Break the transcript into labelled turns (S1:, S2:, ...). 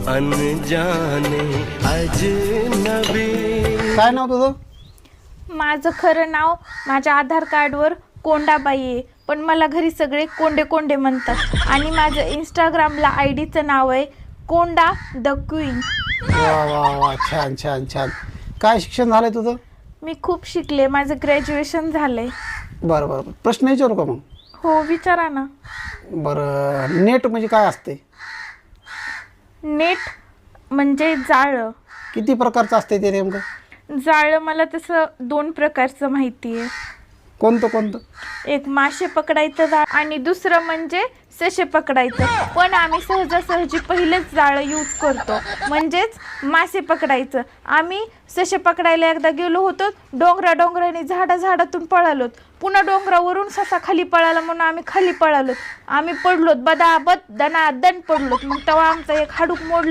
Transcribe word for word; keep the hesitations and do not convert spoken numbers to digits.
S1: अनजाने अजनबी.
S2: काय नाव तुझं?
S3: माझं खरं नाव माझ्या आधार कार्डवर कोंडाबाई आहे, पण मला घरी सगळे कोंडे कोंडे म्हणतात. आणि माझं इंस्टाग्रामला आय डीचं नाव आहे कोंडा द क्वीन.
S2: वा वा वा, छान छान छान. काय शिक्षण झालंय तुझं?
S3: मी खूप शिकले, माझं ग्रॅज्युएशन झालंय.
S2: बरं बरं, प्रश्न विचारू का मग?
S3: हो विचारा ना.
S2: बरं, नेट म्हणजे काय असते?
S3: नेट म्हणजे जाळं.
S2: किती प्रकारचं असते ते नेमकं?
S3: जाळं मला तसं दोन प्रकारचं माहिती आहे.
S2: कोणतं कोणतं?
S3: एक मासे पकडायचं जाळ आणि दुसरं म्हणजे ससे पकडायचं. पण आम्ही सहजासहजी पहिलेच जाळं यूज करतो, म्हणजेच मासे पकडायचं. आम्ही ससे पकडायला एकदा गेलो होतो, डोंगरा डोंगराने झाडा झाडातून पळालोत. पुन्हा डोंगरावरून ससा खाली पळाला म्हणून आम्ही खाली पळालोत. आम्ही पडलोत, बदाबद दनादन पडलोत. मग तेव्हा आमचा एक हाडूक मोडलं